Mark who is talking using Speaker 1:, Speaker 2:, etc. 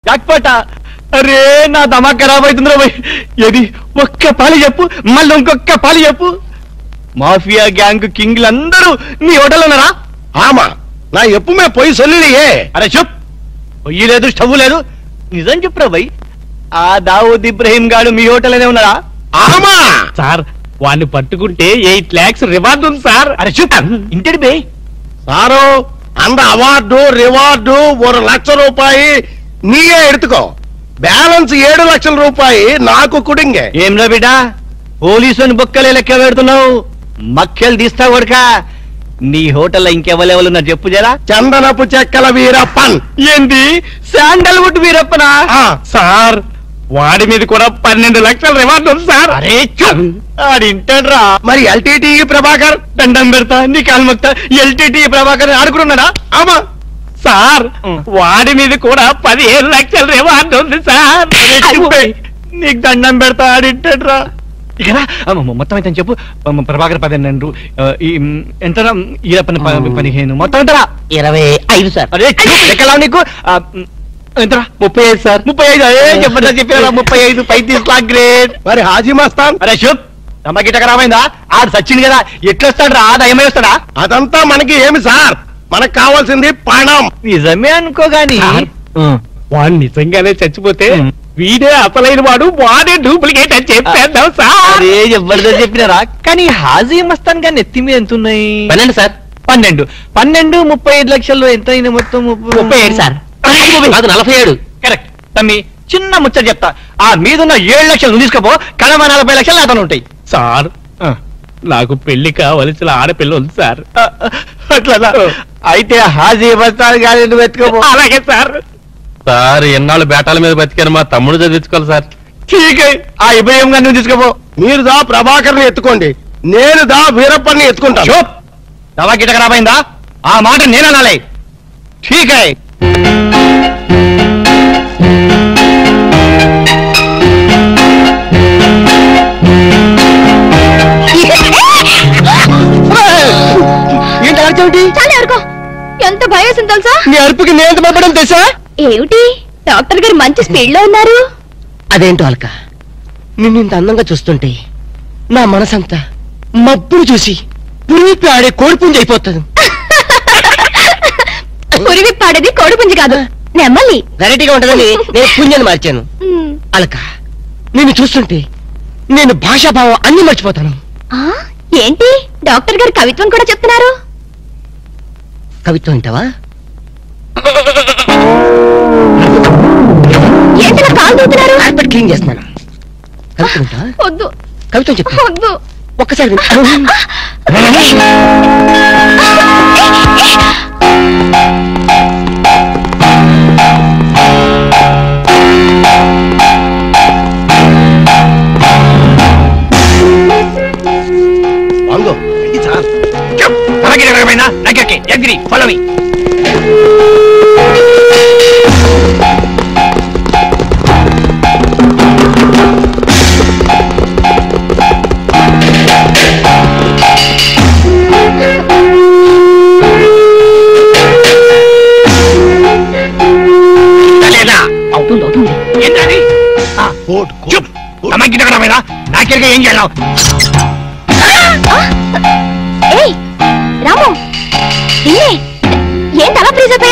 Speaker 1: జాక్పాట. అరే నా దమా ఖరాబ్ అవుతుందిరా భయ్. ఏది ఒక్క పాలి చెప్పు, మళ్ళీ ఇంకొక్క పాలి చెప్పు. మాఫియా గ్యాంగ్ కింగ్లందరూ నీ హోటల్ ఉన్నారా?
Speaker 2: ఆమా, నా ఎప్పుమే పోయి సొల్లియే.
Speaker 1: అరే చెప్, పొయ్యి లేదు స్టవ్ లేదు, నిజం చెప్పురా భయ్. ఆ దావూద్ ఇబ్రహీం గాడు మీ హోటల్లోనే ఉన్నారా?
Speaker 2: ఆమా
Speaker 3: సార్, వాడిని పట్టుకుంటే 8 lakhs రివార్డు ఉంది సార్.
Speaker 1: అరే చెప్, ఇంటి బే
Speaker 2: సారు, அந்த అవార్డు రివార్డు 1 లక్ష రూపాయి నీయే ఎడుతుకో. బ్యాలెన్స్ 7 లక్షల రూపాయి నాకు కుడింగే.
Speaker 1: ఏంరా బిడ్డ, పోలీసుని బొక్కలే లెక్క పెడుతున్నావు, మక్కలు తీస్తావు కొడుక. నీ హోటల్లో ఇంకెవరెవరున్నారు చెప్పు జరా.
Speaker 2: చందనపు చెక్కల వీరప్పన్.
Speaker 1: ఏంది శాండల్వుడ్ వీరప్పనా?
Speaker 3: సార్, వాడి మీద కూడా 12 లక్షల రివార్డు ఉంది సార్.
Speaker 1: అరే ఆడింటాడ్రా.
Speaker 2: మరి ఎల్టీటీ ప్రభాకర్.
Speaker 1: దండం పెడతా నీ కాలు మొక్తా. ఎల్టీటీ ప్రభాకర్ ఆడుకున్నాడా?
Speaker 2: ఆమా
Speaker 3: సార్, వాడి మీద కూడా 15 లక్షల రివార్డు ఉంది సార్.
Speaker 1: నీకు దండం పెడతా, ఆడింటాడ్రా. ఇక మొత్తం అయితే చెప్పు. ప్రభాకర్ 12, ఎంత ఈరప్పని 15, మొత్తం ఎంతరా?
Speaker 4: 25 సార్.
Speaker 1: అరే లెక్కలా నీకు ఎంతరా?
Speaker 3: 35 సార్.
Speaker 1: 35. అదే చెప్పండి చెప్పారా? 35. 35 లాక్ గ్రేట్.
Speaker 2: మరి హాజీ మస్తాన్.
Speaker 1: అరే శుభ్, తమ్మకిట ఖరాబైందా? ఆడు సచ్చింది కదా, ఎట్లొస్తాడు రా? దయమే వస్తాడా?
Speaker 2: అదంతా మనకి ఏమి సార్, మనకు కావాల్సింది పణం.
Speaker 1: నిజమే అనుకో గాని
Speaker 3: వాడు నిజంగానే చచ్చిపోతే వీడే అసలైన వాడు, వాడే డూప్లికేట్ అని చెప్పేద్దాం సార్.
Speaker 1: అరే జబర్దస్త్ చెప్పినారా? కానీ హాజీ మస్తాన్ గాని ఎత్తి మీద ఎంత ఉన్నాయి?
Speaker 4: 12 సార్.
Speaker 1: 12. 35 లక్షల్లో ఎంత అయింది మొత్తం?
Speaker 4: 37 సార్. కాదు 47.
Speaker 1: కరెక్ట్. తమ్మి చిన్న ముచ్చట చెప్తా. ఆ మీదున్న 7 లక్షలు నువ్వు తీసుకోపో, కడమ 40 లక్షలు అతను ఉంటాయి.
Speaker 3: సార్, నాకు పెళ్లి కావలసిన ఆడపిల్ల ఉంది సార్.
Speaker 1: అట్లా అయితే హాజీ మస్తాన్ గాని నువ్వు ఎత్తుకోపో.
Speaker 3: అలాగే సార్.
Speaker 5: సార్, ఎన్నాళ్ళు బేటాల మీద బతికాను, మా తమ్ముడు చదివించుకోవాలి సార్.
Speaker 1: ఠీక్. ఆ ఇబ్రహీం గారిని నువ్వు తీసుకోపో.
Speaker 2: మీరు దా ప్రభాకర్ని ఎత్తుకోండి, నేను దా వీరప్పన్ని ఎత్తుకుంటాను.
Speaker 1: చూప్, తమ్మకిట ఖరాబైందా? ఆ మాట నేననాలే. ఠీక్. ఏంటి అర్చోటి?
Speaker 6: చాలా అరుకో. ఎంత భయం తెలుసా?
Speaker 1: నీ అరుపుకి నేను ఎంత భయపడడం తెలుసా?
Speaker 6: ఏమిటి డాక్టర్ గారు మంచి స్పీడ్ లో ఉన్నారు?
Speaker 4: అదేంటో అల్క, నిన్ను ఇంత అందంగా చూస్తుంటే నా మనసంతా మబ్బును చూసి పురిపి ఆడే కోడిపుంజి అయిపోతుంది.
Speaker 6: పురివి పాడేది కోడిపుంజి కాదు, నెమ్మలి.
Speaker 4: వెరైటీగా ఉంటుందని నేను పుంజని మార్చాను. అల్క, నిన్ను చూస్తుంటే నేను భాషాభావం అన్ని మర్చిపోతాను.
Speaker 6: ఏంటి డాక్టర్ గారు కవిత్వం కూడా చెప్తున్నారు?
Speaker 4: కవిత్వం వింటావా?
Speaker 6: ఏంటి కాలు దూతున్నారు?
Speaker 4: కార్పెట్ క్లీన్ చేస్తున్నాను. కవిత్వం వింటావా?
Speaker 6: వద్దు.
Speaker 4: కవిత్వం చెప్తా.
Speaker 6: వద్దు.
Speaker 4: ఒక్కసారి
Speaker 2: వంగో సార్.
Speaker 1: Follow me.
Speaker 6: అవుతుంది అవుతుంది.
Speaker 1: ఏంటది? తమ్మకిట ఖరాబైందా? నాకెరగా ఏం చేయాలి?
Speaker 6: ఏయ్ రాము, నిన్నే.